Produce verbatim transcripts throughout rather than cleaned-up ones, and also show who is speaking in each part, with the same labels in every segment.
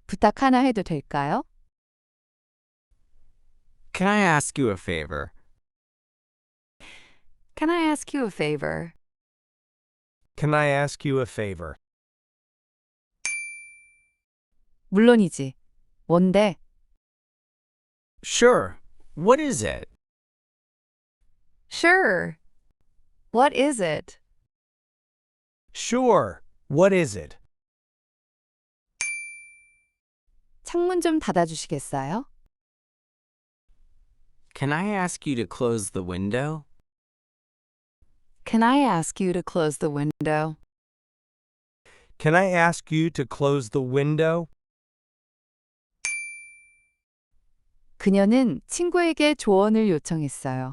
Speaker 1: 부탁 하나 해도 될까요?
Speaker 2: Can I ask you a favor?
Speaker 1: Can I ask you a favor?
Speaker 3: Can I ask you a favor?
Speaker 1: 물론이지. 뭔데?
Speaker 2: Sure. What is it?
Speaker 1: Sure. What is it?
Speaker 3: Sure. What is it?
Speaker 1: 창문 좀 닫아주시겠어요?
Speaker 2: Can I ask you to close the window?
Speaker 1: Can I ask you to close the window?
Speaker 3: Can I ask you to close the window?
Speaker 1: 그녀는 친구에게 조언을 요청했어요.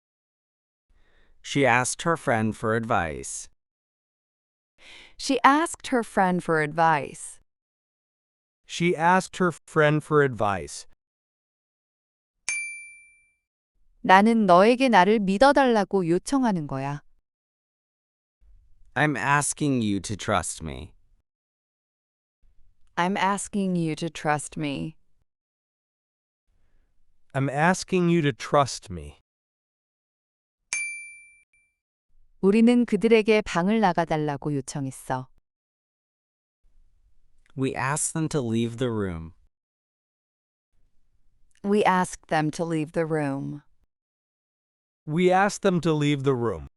Speaker 2: She asked her friend for advice.
Speaker 1: She asked her friend for advice.
Speaker 3: She asked her friend for advice.
Speaker 1: 나는 너에게 나를 믿어달라고 요청하는 거야.
Speaker 2: I'm asking you to trust me.
Speaker 1: I'm asking you to trust me.
Speaker 3: I'm asking you to trust me.
Speaker 1: 우리는 그들에게 방을 나가달라고 요청했어.
Speaker 2: We asked them to leave the room.
Speaker 1: We asked them to leave the room.
Speaker 3: We asked them to leave the room.